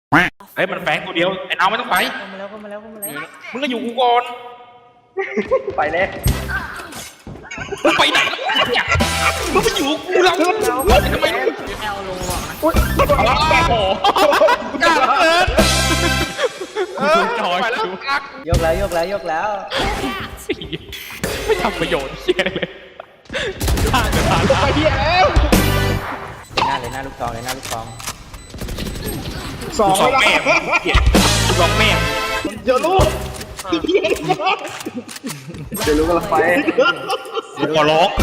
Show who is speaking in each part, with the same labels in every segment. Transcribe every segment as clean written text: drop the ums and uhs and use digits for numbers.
Speaker 1: เฮ้ยมันแฝงตัวเดียวไอ้น้องไม่ต้องไป
Speaker 2: เข้ามาแล้ว
Speaker 1: มึงก็อยู่กูก่อน
Speaker 3: ไปเลย
Speaker 1: มึงไปไหนแล้วเนี่ยมึงไปอยู่กูแล้วทำไมมึง
Speaker 2: แอลโลอ่ะ
Speaker 1: โอ้โหกล้าเกินจอยแล้ว
Speaker 2: ยกแล้ว
Speaker 1: ไม่ทำประโยชน์เชี่ยเลยฆ่าจะตายไปเฮียแล้ว
Speaker 2: หน้าลูกซอง
Speaker 3: สอง
Speaker 1: สองแม่สองแม่
Speaker 3: เดี๋ยวรู้จะรู้กันละไป
Speaker 1: ขอร้อง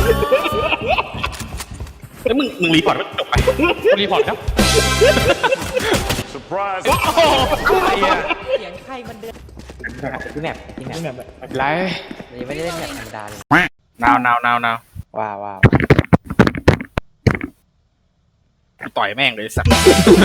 Speaker 1: แล้วมึงรีพอร์ตมันจบไปรีพอร์ตครับ
Speaker 4: Surprise!
Speaker 1: อะไรอ่ะ
Speaker 2: เสียงใครมันเดินที่แมป
Speaker 1: ไม่เป็นไร
Speaker 2: ยังไม่ได้เล่นแมปธรรมดาเลย
Speaker 1: นาว
Speaker 2: ว้าว
Speaker 1: ต่อยแม่งเลยสัตว์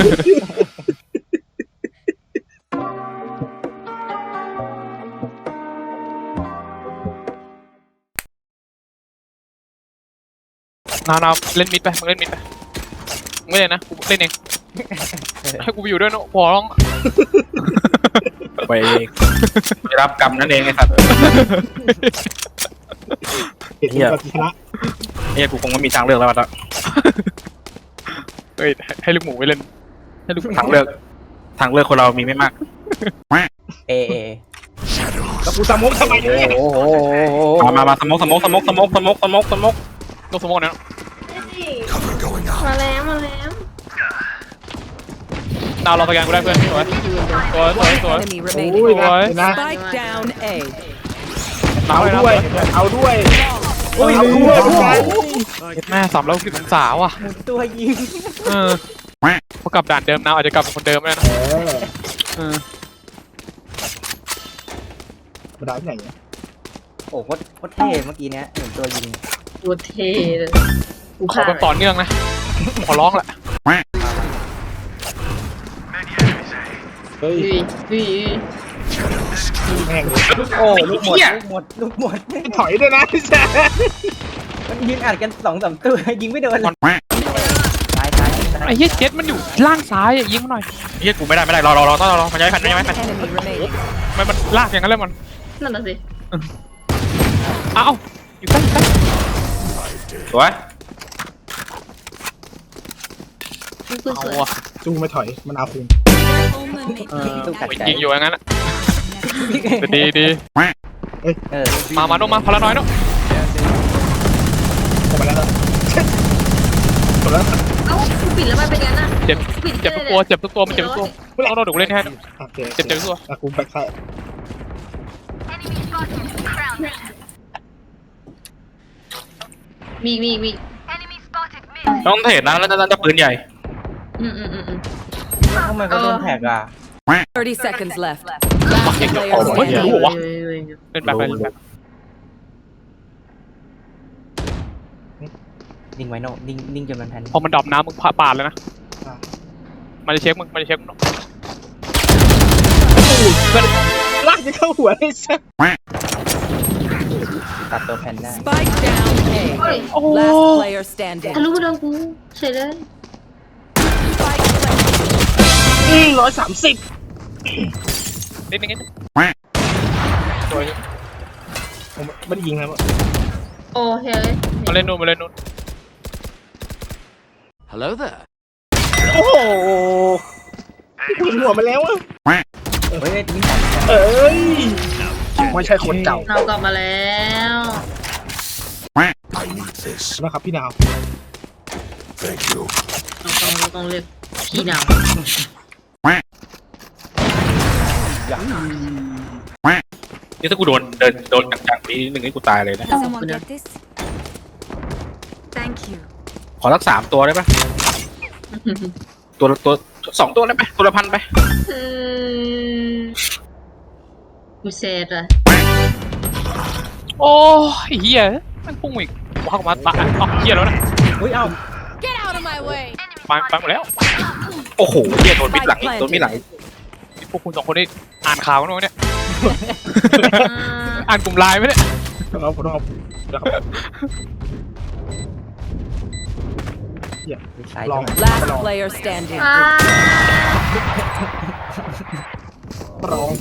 Speaker 1: นาวเล่นมิดไปมึงเล่นมิดไปมึงไม่เล่นนะกูเล่นเองให้กูไปอยู่ด้วยเนาะพอร้องไปรับกรรมนั่นเองไอ้สัตว์เฮียกูคงไม่มีทางเลือกแล้วอ่ะเฮ้ยให้ลูกหมูไปเล่นให้ลูกทางเลือกคนเรามีไม่มาก
Speaker 2: เอ
Speaker 3: แล้วกูสมองทำไมเนี่ย
Speaker 2: โอ้โห
Speaker 1: มาสมกต้องสมกเนี่ย
Speaker 5: มาแล้ว
Speaker 1: ดาวเราสแกนกูได้เพื่อนสวย
Speaker 6: Enemy
Speaker 3: โอ้ย
Speaker 6: remaining.
Speaker 3: นะ
Speaker 6: Spike down A.
Speaker 3: เอาด้วยเอาด้วยเอาด้วย
Speaker 1: แม่360 องศาว่ะ
Speaker 2: หมุนตัวยิง
Speaker 1: พอกลับด่านเดิมนาวอาจจะกลับเป็นคนเดิมเลยนะ
Speaker 3: มาได้ที่ไหนเนี่ย
Speaker 2: โอ้โหโคตรเท่เมื่อกี้เนี้ยหมุนตัวยิง
Speaker 5: ตัวเท่เลยกู
Speaker 1: ขอเป็นต่อเนื่องนะขอร้องแหละ
Speaker 3: เฮ้ย
Speaker 5: อุ้ย
Speaker 3: แม่ง
Speaker 2: โอ้ลูกหมด
Speaker 3: ถอยด้วยนะพี่แจ๊
Speaker 2: มันยิงอัดกัน2-3ตัวยิงไม่โดนเลยตาย
Speaker 1: ไอ้เหี้ยเจ็ดมันอยู่ล่างซ้ายยิงมาหน่อยเหี้ยกูไม่ได้ต้องรอมันย้ายแผ่น
Speaker 6: Enemy remaining.
Speaker 1: มันลากอย่างนั้นเลยมัน
Speaker 5: นั่นน่ะสิ
Speaker 1: เอ้าอยู่ใกล้สวย
Speaker 5: คุณสวย
Speaker 3: จูไม่ถอยมันเอาคุณ
Speaker 2: ตู้กัดใจ
Speaker 1: ยิงอยู่อย่างนั้นดี มาโนมาพลาน้อยเนาะ
Speaker 3: ออกมาแล้วจบแล้ว
Speaker 5: เอ้าคุณปิดแล้วมันเป็นยังน่ะ
Speaker 1: เจ็บทุกตัวมันเจ็บทุกตัวต้องดูเล่นให้
Speaker 3: โอเค
Speaker 1: เจ็บทุกตัว
Speaker 3: กูแบ็คไซด์
Speaker 5: มี
Speaker 1: ต้องเทรดนะแล้วจะปืนใหญ่
Speaker 2: ทำไมเขาโดนแท็กอ่ะ
Speaker 6: 30 seconds left.
Speaker 1: เก่ง
Speaker 6: Player
Speaker 1: โอ้ย
Speaker 6: standing.
Speaker 1: รู้วะเล่นแบบไป
Speaker 2: นิ่งไว้โน่นิ่งจนมันแพน
Speaker 1: พอมันดรอปน้ำมึงปาดเลยนะมันจะเช็คมึง
Speaker 3: ลากจะเข้าหัวเลยสัส
Speaker 2: ตัดตัวแพนได้
Speaker 6: Spike down A.
Speaker 5: เฮ้ย
Speaker 6: Last player standing.
Speaker 5: ทะลุโดนกูเฉยเลย
Speaker 6: Spike planted.
Speaker 3: 130
Speaker 1: นิดนึง
Speaker 3: ผมไม่ได้ยิงนะ
Speaker 5: โอ้เฮ้ย
Speaker 1: มาเล่นนู่น
Speaker 4: Hello there.
Speaker 3: โอ้โหกูเห็นหัวมาแล้วอ่ะ
Speaker 2: เฮ้ยนี่
Speaker 3: เอ้ยไม่ใช่คนเก่า
Speaker 5: เรากลับมาแล้ว
Speaker 4: I need this.
Speaker 3: นะครับพี่ดาว
Speaker 4: Thank you.
Speaker 5: เราต้องเรียกพี่น
Speaker 1: นี่ถ้ากูโดนจังๆนี้นึงนี่กูตายเลยนะ
Speaker 6: Someone get this? Thank you.
Speaker 1: ขอสัก3 ตัวได้ปะ
Speaker 5: ำ
Speaker 1: ตัว2 ตัวได้ไหมตัวละ1,000ไป
Speaker 5: กูเซตอะ
Speaker 1: โอ้ยเฮียมันพุ่งอีกว้าวมาตายเฮียแล้วนะ
Speaker 2: เฮ้ยเอ้า
Speaker 6: Get out of my way.
Speaker 1: ไปหมดแล้วโอ้โหเฮียโดนมิดหลังพวกคุณ2 คนนี่อ่านข่าวกันมั้ยเนี่ยอ่านกลุ่มไลน์ไหมเนี่ย
Speaker 3: ต้องเอาลอง
Speaker 6: Last player standing.
Speaker 5: อ้า
Speaker 3: รอง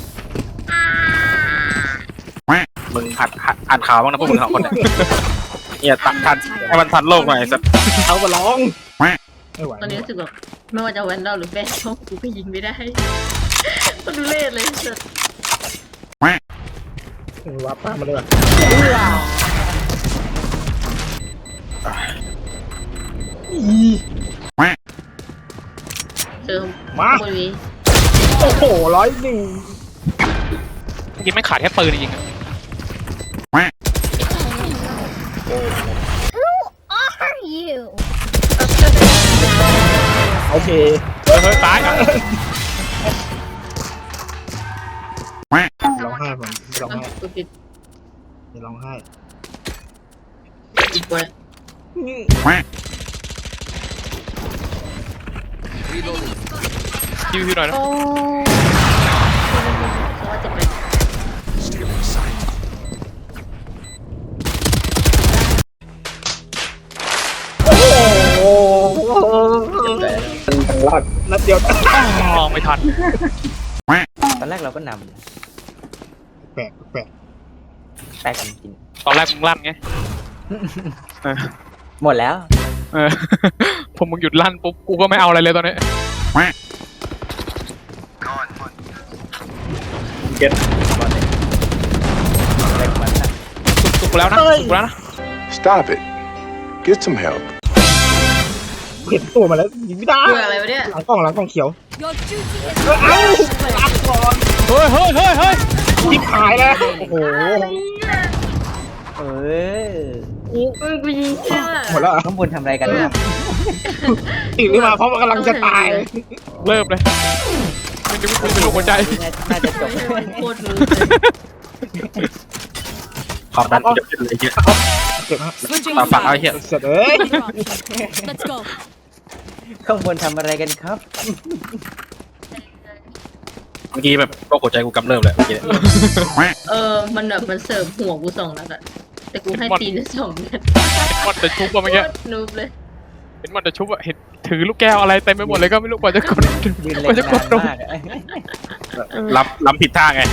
Speaker 1: มึงอ่านข่าวบ้างนะพวกมึงสองคนเนี่ยเนี่ยทันให้มันทันโลกหน่อยสัก
Speaker 3: เอามาลองไม่ไหว
Speaker 5: ตอนนี้รู้สึกแบบไม่ว่าจะแวนดอลหรือแบนช่องกูก็ยิงไม่ได้ก็ดูเล่เลยสุด
Speaker 3: วับป้ามาเลยว่ะ
Speaker 5: เจอ
Speaker 3: มา
Speaker 5: บนนี้
Speaker 3: โอ้โห101
Speaker 1: ยิงไม่ขาดแค่ปืนจริง
Speaker 6: Are you?
Speaker 3: โอเค
Speaker 1: เฮ้ยตายอ่ะ
Speaker 3: ร้องไห้ผมร้องไห้
Speaker 5: กูผิด
Speaker 3: ไม่ร้องไห้
Speaker 5: อีกกว่า
Speaker 1: คิวหน่อยนะ
Speaker 5: โอ้เพราะว่าจะเป็น
Speaker 4: Stealing sight.
Speaker 3: โอ้โหรอดนัดเดียว
Speaker 1: อ๋อไม่ทัน
Speaker 2: ตอนแรกเราก็น
Speaker 3: แปลก
Speaker 2: ำแตกจริง
Speaker 1: ตอนแรกมึงลั่นไง
Speaker 2: ๆหมดแล้ว
Speaker 1: เออ ผมมึงหยุดลั่นปุ๊บกูก็ไม่เอาอะไรเลยตอนนี้
Speaker 2: เล็กมันนะ
Speaker 1: สุกแล้วนะสุกแล้วนะ
Speaker 4: Stop it. Get some help.
Speaker 3: เห็นตัวมาแล้วยิงไม่ได้
Speaker 5: เบื่ออะไรวะเนี่ย
Speaker 3: หลังกล้องเขียว
Speaker 6: Your duty is
Speaker 3: เอ้ารับก่อน
Speaker 1: เฮ้ย
Speaker 3: ยิบหายแล้วโอ้โห
Speaker 2: เออ
Speaker 5: กูยิงเชื่อ
Speaker 3: หมดแล้ว
Speaker 2: ข้างบนทำอะไรกันเนี่ย
Speaker 3: ตื่นขึ้นมาเพราะมันกำลังจะตาย
Speaker 1: เริ่มเลยไม่รู้กูเป็นลูกหัวใจ
Speaker 2: น่าจะจบ
Speaker 5: โคตรรู้
Speaker 1: ขอบนั้นจะเป็นเลยเยอะ
Speaker 3: เก็บฮะ
Speaker 6: switching
Speaker 1: ฝากเอาเหี้ย
Speaker 6: sides.
Speaker 3: เสร็จเอ้ย
Speaker 6: Let's go.
Speaker 2: ข้างบนทำอะไรกันครับ
Speaker 1: เมื่อกี้แบบโรคหัวใจกูกำเริบเลยเมื่อกี้
Speaker 5: มันแบบมันเสิร์ฟหัวกู2 นัดอะแต่กูให้ตีน2 นัด
Speaker 1: มันจะชุบอะเมื่อกี้
Speaker 5: โคตรนูบเลย
Speaker 1: เห็นมันจะชุบอะเห็นถือลูกแก้วอะไรเต็มไปหมดเลยก็ไม่รู้กว่าจะกด
Speaker 2: ยืน
Speaker 1: ก
Speaker 2: เล่
Speaker 1: ว่าน จะกด
Speaker 2: นาน
Speaker 1: ลง
Speaker 2: มากอะ
Speaker 1: ล้ำผิดท่าไง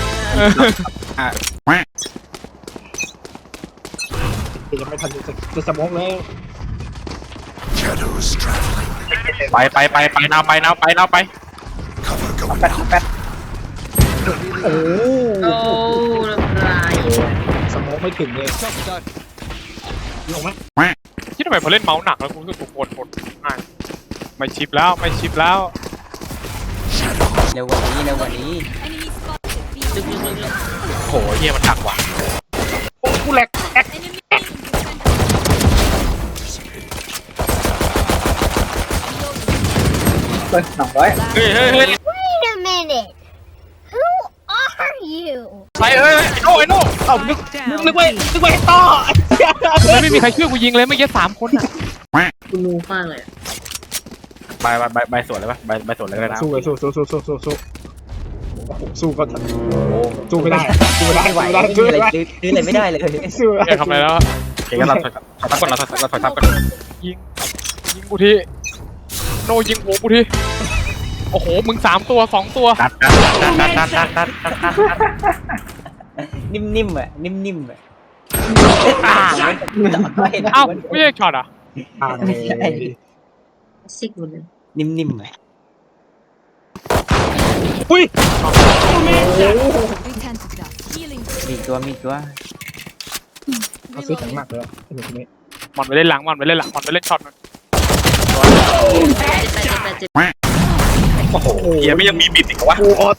Speaker 3: ยังไม่ทันจะสมองแล้ว
Speaker 4: Shadows traveling.
Speaker 1: ไปนาวไป
Speaker 4: Cover going
Speaker 2: แป๊ด
Speaker 4: out.
Speaker 2: แป๊ด
Speaker 3: โอ้
Speaker 5: โอ้เรียบร้อย
Speaker 3: สมองไม่ถึงเลยลงไหม
Speaker 1: คิดทำไมพอเล่นเมาส์หนักแล้วกูรู้สึกกูปวดง่ายไม่ชิปแล้ว
Speaker 2: เร็วกว่านี้เร็วกว่านี้
Speaker 6: Enemy spotted. B.
Speaker 5: ลึก
Speaker 1: โหเฮียมันหนักว่ะ
Speaker 3: โอ้กูแหลกแอ๊ก
Speaker 6: Enemy defender.
Speaker 2: เฮ้ย200
Speaker 1: เฮ้ย
Speaker 6: Wait a minute. Who are you?
Speaker 1: ไปไอ้โน่
Speaker 3: เอ้านึกไว้ต่อ
Speaker 1: ไม่มีใครช่วยกูยิงเลยเมื่อกี้3 คนอ่ะ
Speaker 5: ๆกูนูมากเลยอะ
Speaker 1: ใบสวนเลยปะใบสวนเลยนะ
Speaker 3: สู้เลยสู้สู้ก็สู้ไม่ได้สู้ไม่ได้
Speaker 2: ไม่ไหว
Speaker 3: สู้
Speaker 2: ไม่
Speaker 3: ไม่
Speaker 2: มี
Speaker 3: ได้
Speaker 2: อะไรซื้ออะไรไม่ได้เลย
Speaker 3: สู้ไม่
Speaker 1: แก
Speaker 3: ได้
Speaker 1: ทำอะไรแล้วโอเคงั้นเราถอยทับก่อนเราถอยทับก่อนยิงกูทีโนยิงหัวกูทีโอ้โหมึง3 ตัว 2 ตัวดัด
Speaker 2: นิ่มๆอ่ะนิ่มๆอ่ะ
Speaker 1: อ้าวไม่ใช่ช็อตอ่ะ
Speaker 3: ทางเลย
Speaker 5: ซิกหมดเลย
Speaker 2: นิ่มๆอ่ะ
Speaker 3: อุ้ย
Speaker 6: We tend to die. Healing.
Speaker 2: มีอีกตัว
Speaker 3: เขาซื้อถังหนักเลยไอ้หนุ่มคนนี้
Speaker 1: มันไปเล่นหลังมันไปเล่นช็อตมัน
Speaker 5: เจ็บ
Speaker 1: โอ้โหเฮียไม่ยังมีบิดอีกวะ
Speaker 3: กูออโต้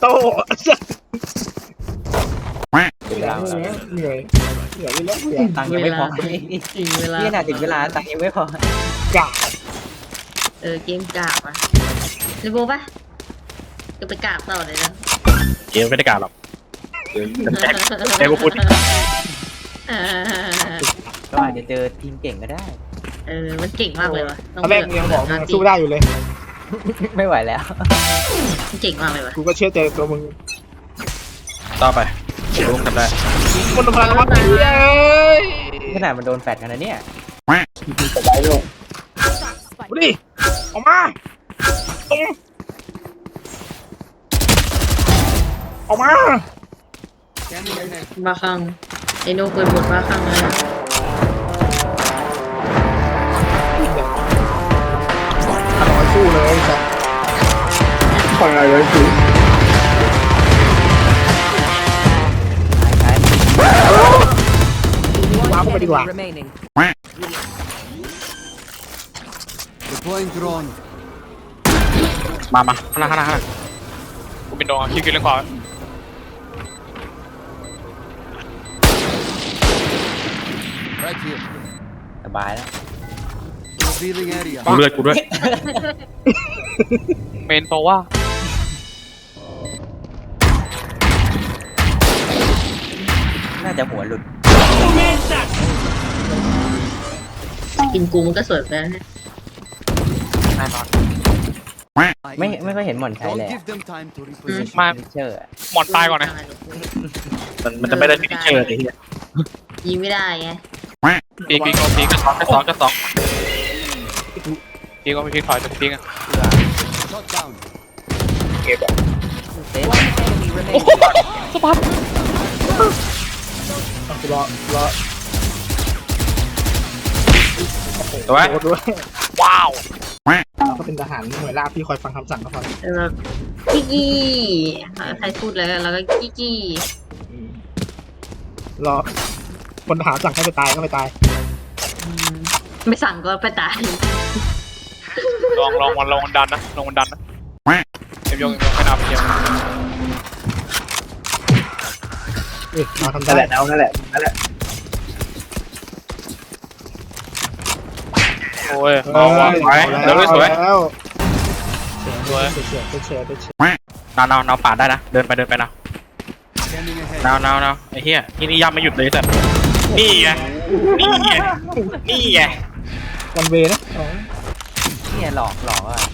Speaker 2: ถึงเวลา
Speaker 3: เหนื่อยเหนื่อยแล้วเหนื่อย
Speaker 2: ตังค์ยังไม่พอ
Speaker 5: ถึงเวลา
Speaker 2: นี่น่าถึงเวลาตังค์ยังไม่พอก
Speaker 3: า
Speaker 5: เกมกราบอ่ะเรโบป่ะจะไปกราบต่อเลยนะ
Speaker 1: เกมไม่ได้การหรอกแจ็คกูพูด
Speaker 2: ก็อาจจะเจอทีมเก่งก็ได้
Speaker 5: มันเก่งมากเลยวะ
Speaker 3: ตอนแรกยังบอกมึงสู้ได้อยู่เลย
Speaker 2: ไม่ไหวแล้ว
Speaker 5: เก่งมากเลยวะ
Speaker 3: กูก็เชื่อใจตัวมึง
Speaker 1: ต่อไปลุงทำได้
Speaker 3: คนทำพลังวัดเย้ย
Speaker 2: ขนาดมันโดนแฟดกันนะเนี่ย
Speaker 3: ดูดิออกมาออกมา
Speaker 5: บ้าคลั่งไอโน่เคยบ่นบ้าคลั่งเลยนะ
Speaker 3: อร่อยสู้เลยครับฟังอะไรเลยคือ
Speaker 2: ใช้
Speaker 3: ว้าวเข้าไปดีกว่า
Speaker 7: remaining. Deploying drone.
Speaker 1: มาข้างหน้ากูเป็นโดนคิวเล่นขวา
Speaker 7: Right here.
Speaker 2: สบายแล้ว
Speaker 7: Revealing area.
Speaker 1: เลือดกูด้วยเมนโซว่า
Speaker 2: น่าจะหัวหลุด
Speaker 5: กินกูมันก็สวยไปแล้วนะ
Speaker 1: แน่นอน
Speaker 2: ไม่ค่อยเห็นหมอนใช้
Speaker 7: Don't
Speaker 2: เลย
Speaker 7: give them time to reposition.
Speaker 1: มา
Speaker 2: เชื่อ
Speaker 1: หมอนตายก่อนนะมันจะไม่ได้ฟินิชเชอร์ไอ้เหี้ย
Speaker 5: ยิงไม่ได้ไง
Speaker 1: ปีกก็ปีกก็สองปีกก็ไม่พีถอยแต่ปีกอ่ะ
Speaker 7: Shot down.
Speaker 2: เซฟ
Speaker 7: Enemy remaining.
Speaker 1: สปัด
Speaker 3: รอ
Speaker 1: ถูกไหม
Speaker 3: โอ้ด้วย
Speaker 1: ว้าว
Speaker 3: เราก็เป็นทหารหน่วยราบที่คอยฟังคำสั่งก็พอ
Speaker 5: แบบกี้กี้ใครพูดแล้วเราก็กี้กี้
Speaker 3: รอคนทหารสั่งให้ไปตายก็ไปตาย
Speaker 5: ไม่สั่งก็ไปตาย
Speaker 1: ลองมันดันนะลองมันดันนะเอ็มยงไม่นับเดียว
Speaker 3: เราทำได้แหละเอานั่นแหละ
Speaker 1: โอ้ยเอาวะไปเดี๋ยวสวย
Speaker 3: แล้ว
Speaker 1: สวย
Speaker 3: เฉย
Speaker 1: นาวปาดได้นะเดินไปนะ
Speaker 7: Scanning ahead.
Speaker 1: นาวไอ้เหี้ยที่นี่ย่ำไม่หยุดเลยแต่นี่ไง
Speaker 3: วันเวนะ
Speaker 2: เนี่ยหลอกอ่ะ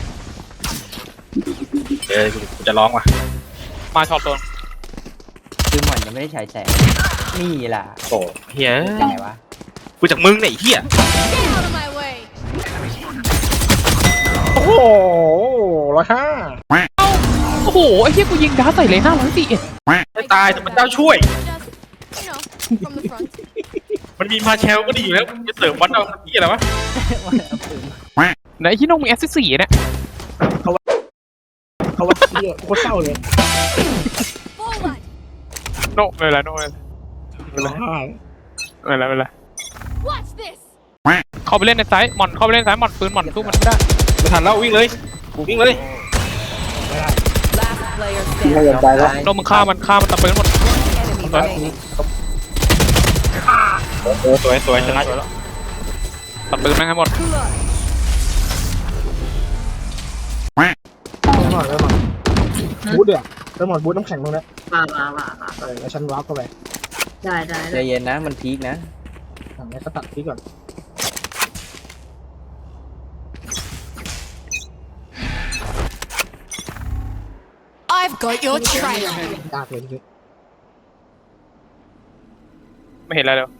Speaker 1: กูจะร้องว่ะมาช็อตตัว
Speaker 2: คือหมอนยังไม่ได้ใช้แสงนี่ล่ะ
Speaker 1: โอ้เหี้ย
Speaker 2: ยังไงวะ
Speaker 1: กูจากมึงเนี่ยไอ้เหี้ย
Speaker 6: Get out of my way.
Speaker 3: โอ้โห105
Speaker 1: โอ้โหไอ้เหี้ยกูยิงดาใส่เลย541ไม่ตายแต่มันเจ้าช่วย
Speaker 6: Just, from the front.
Speaker 1: มันมีมาแชลก็ดีอยู่แล้วจะเสริมวัดเอาที่อะไรวะ ไหนที่น้องมีแอสซิส4เนี่ย
Speaker 3: เขาว่าเหี้ยโคตรเศร้าเลย
Speaker 6: Forward.
Speaker 1: โน่ไม่เป็นไรไม่เป็นไร
Speaker 6: Watch this.
Speaker 1: เข้าไปเล่นในซ้ายหมอนเข้าไปเล่นซ้ายหมอนปืนหมอนสู้มันไม่ได้ไม่ทันแล้ววิ่งเลย
Speaker 7: Last player
Speaker 3: ไม่
Speaker 7: standing.
Speaker 3: ยอมตายแล้ว
Speaker 1: โน่มึงฆ่ามันตัดปืนหมด
Speaker 7: Enemy remaining.
Speaker 1: สวยชนะแล้วตัดปืนแม่งให้หมด
Speaker 3: หมดบูทเดือดแล้วหมดบูทน้ำแข็งตรงนี้
Speaker 5: ว่า
Speaker 3: แล้วฉันวาร์ปเข้าไป
Speaker 5: ได้
Speaker 2: ใจเย็นนะมันพีคนะ
Speaker 3: ถังนี้ก็ตัดที่ก่อน
Speaker 6: I've got your trail.
Speaker 3: ยากเลยที
Speaker 1: ไม่เห็นอะไรเลย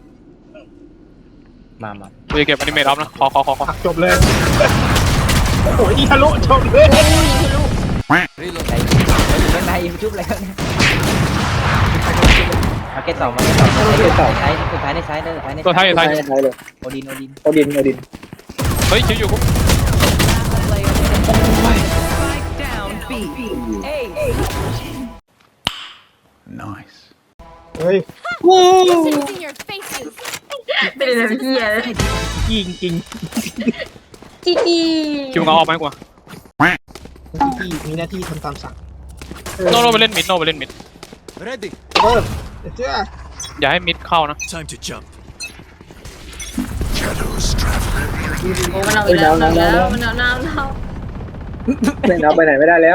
Speaker 2: มา
Speaker 1: กูจะเก็บอนิเมตออฟนะขอ
Speaker 3: ตักจบเลยโอ้โหอีทะลุจบเลย
Speaker 7: Reload.
Speaker 2: ใจเล่นในยูทูบอะไรกันเนี่ยมาเก็ตต่อใช้สุดท้ายในใช้เลย
Speaker 1: ตัวท้ายอยู่ท้าย
Speaker 2: โอดิน
Speaker 1: เฮ้ยชิวอยู่กู
Speaker 7: Player Strike down B. A.
Speaker 4: Nice.
Speaker 3: เฮ้ย
Speaker 6: It's in your faces.
Speaker 5: เป็นอะไรเหี้ย
Speaker 3: ยิงจริง
Speaker 5: กี้กี้
Speaker 1: คิวเอาออกไหมกว่า
Speaker 3: ที่มีหน้าที่ทำตามสั่ง
Speaker 1: โน่ไปเล่นมิด
Speaker 7: Ready.
Speaker 3: เริ่มเจ้า
Speaker 1: อย่าให้มิดเข้านะ
Speaker 4: Time to jump. Shadows traveling.
Speaker 5: โอ้มันเอาอีกแล้วมันเอา
Speaker 3: ไม่เอาไปไหนไม่ได้แล้ว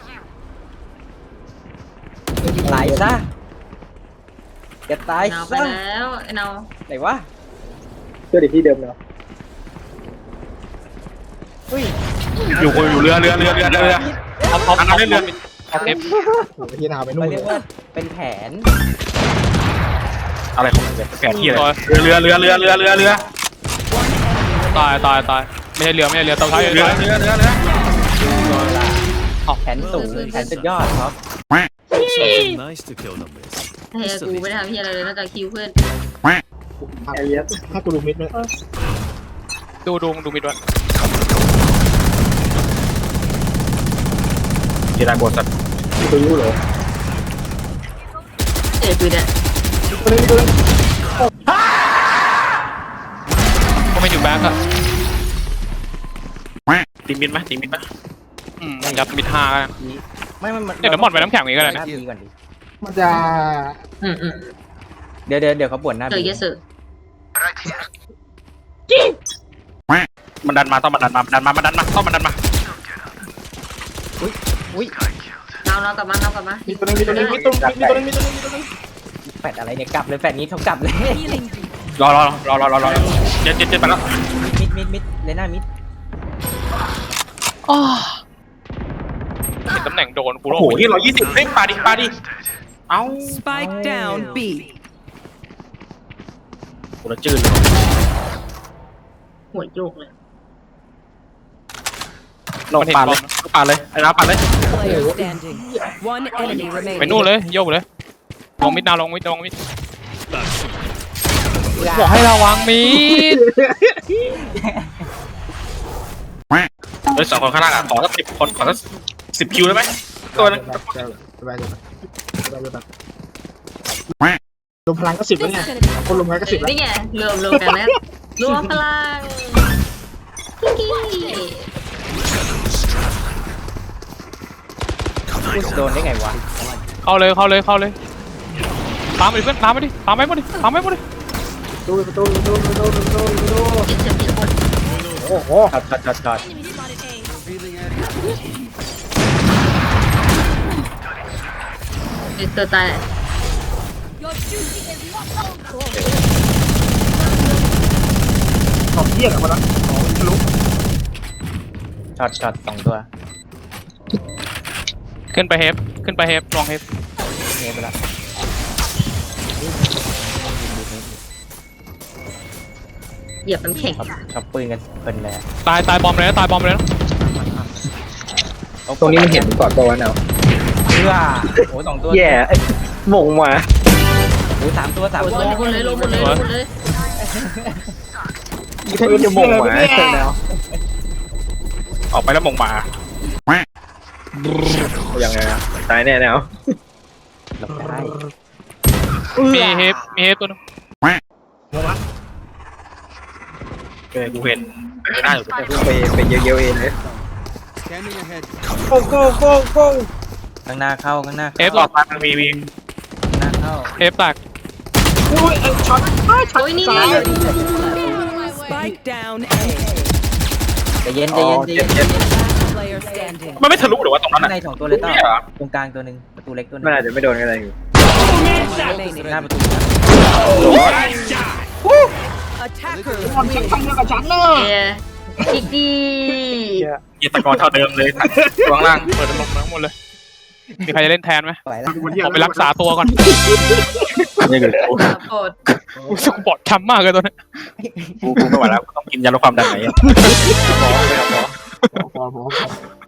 Speaker 2: ตายซะจะตาย
Speaker 5: เอาไป
Speaker 2: ซะ
Speaker 5: แล้วเอา
Speaker 2: ไหนวะ
Speaker 3: เจอเด็กที่เดิมเนาะ
Speaker 1: อยู่เรือเอาเล่นเรือเอาเทป
Speaker 3: โอ้โหที่นาไปนู่
Speaker 2: มัน
Speaker 3: น
Speaker 2: เรียกว่าเป็นแผน
Speaker 1: อะไรของมึงเนี่ยแผนที่อะไรเรือตายไม่ใช่เรือตัวท้ายเรือ
Speaker 2: แผนสูงแผนสุดยอดครับ
Speaker 8: Something nice to kill them with.
Speaker 5: เฮ้ยกูไม่ได้ทำเฮียอะไรเลยนอกจากคิวเพื่อน
Speaker 3: ไอ้เหี้ยให้กูดูมิดไหม
Speaker 1: ดูมิดวะ
Speaker 3: กีฬาบทสัตว์กูรู้เหรอ
Speaker 5: ปืนเนี่ย
Speaker 1: ก็ไม่อยู่แบ็คอะ
Speaker 3: ตีมิดไหม
Speaker 1: ยัดมิดห้ากัน
Speaker 2: ไม่มัน
Speaker 1: เดี๋ยวหมดไปน้ำแข็งอีกก็ได้
Speaker 2: ห
Speaker 1: นะ
Speaker 2: น้าบีก่อนดิ
Speaker 3: มันจะ
Speaker 2: เดี๋ยวเขาปวดหน้า
Speaker 5: เจอ
Speaker 2: บี
Speaker 5: เยอะสุด
Speaker 3: มันดันมาต้องมันดันมาต้องมันดันมา
Speaker 2: อุ้ย
Speaker 5: เรากลับมา
Speaker 3: มีตัวนึงมีตัวนึง
Speaker 2: แฟดอะไรเนี่ยกลับเลยแฟดนี้เขากลับเลย
Speaker 7: Healing.
Speaker 3: รอเจ็ดไปแล้ว
Speaker 2: มิดเลน่ามิด
Speaker 1: เห็นตำแหน่งโดนกู
Speaker 3: โอ้
Speaker 1: โล
Speaker 3: โหที่120เฮ้ยปาดิเอ้า
Speaker 7: Spike down B.
Speaker 3: กูละจืดเลย
Speaker 5: หัวโยกเลย
Speaker 3: ลงปาเลยไอ้น้ำปาเลย
Speaker 7: Player standing. One enemy
Speaker 1: ไป
Speaker 7: remaining.
Speaker 1: นู่นเลยโยกเลยลงมิดนาลงมิดบอกให้ระวังมิด
Speaker 3: เฮ้ย2 คนข้างล่างอ่ะขอสัก10 คนขอสัก10 คิวได้ไหมตัวนึงรวมพลังก็10แล้วไงคนรวมกันก็10แล้ว
Speaker 5: นี่ไงรวมกันนะรวมพลังกิ๊ก
Speaker 2: โดนได้ไงวะ
Speaker 1: เข้าเลยตามไปดิเพื่อนตามไปหมดดิ
Speaker 3: ตู้
Speaker 5: เก็บเก็บคน
Speaker 3: โอ้โห
Speaker 2: ช็อต
Speaker 5: ตัวตาย
Speaker 3: ของเที่ยงอะมันนะของทะลุ
Speaker 2: ช็อต2 ตัว
Speaker 1: ขึ้นไปเฮฟลองเฮฟ
Speaker 2: เงี้ยไปแล้ว
Speaker 5: เหยียบน้ำแข็ง
Speaker 2: ชอบปืนกันเพลินเลย
Speaker 1: ตายบอมเลยนะ
Speaker 3: ตรงนี้มันเห็นก่อนตัววันเอา
Speaker 2: เพื่อโอ้2 ตัว
Speaker 3: แย่มงมา
Speaker 2: โอ้3 ตัว
Speaker 5: ลงหมดเลย
Speaker 3: เพื่อนจะมงมาแล้วออกไปแล้วมงมายังไงอะตายแน่แนว
Speaker 2: หลบได้
Speaker 1: มีเฮฟตัวนึง
Speaker 3: กูเห็นไม่ได้อยู่ไปเยอะๆเองเลย
Speaker 7: Scanning ahead.
Speaker 3: โก้
Speaker 2: ข้างหน้าเข้า
Speaker 1: เฮฟ
Speaker 3: ต่อไปมันมี
Speaker 2: ข้างหน้าเข้า
Speaker 1: เฮฟแตก
Speaker 3: อุ้ยช็อต
Speaker 5: โอ้ยนี่
Speaker 7: Spike down A.
Speaker 2: ใจเย็น
Speaker 7: Player standing.
Speaker 3: มันไม่ทะลุหรือว่าตรงนั้น
Speaker 2: ข้าง
Speaker 3: อ่ะ
Speaker 2: ใน2 ตัวเลยต้อ
Speaker 3: ไม่เหรอ
Speaker 2: ตรงกลางตัวนึงประตูเล็กตัวนึง
Speaker 3: มันอาจจะไม่โดนอะไรอยู่
Speaker 7: Remaining.
Speaker 2: หน้าประตู
Speaker 7: Attackers
Speaker 5: อีกดี
Speaker 3: ยีตะกอนเท่าเดิมเลยข้างล่าง
Speaker 1: เปิดลงทั้งหมดเลยมีใครจะเล่นแทนไหม
Speaker 2: ไหวแล้ว
Speaker 1: ผมไปรักษาตัวก่อน
Speaker 3: นี่คือกู
Speaker 5: โปรด
Speaker 1: รู้สึกบอดช้ำมากเลยตัวนี้
Speaker 3: ไม่ไหวแล้วต้องกินยาลดความดันไหน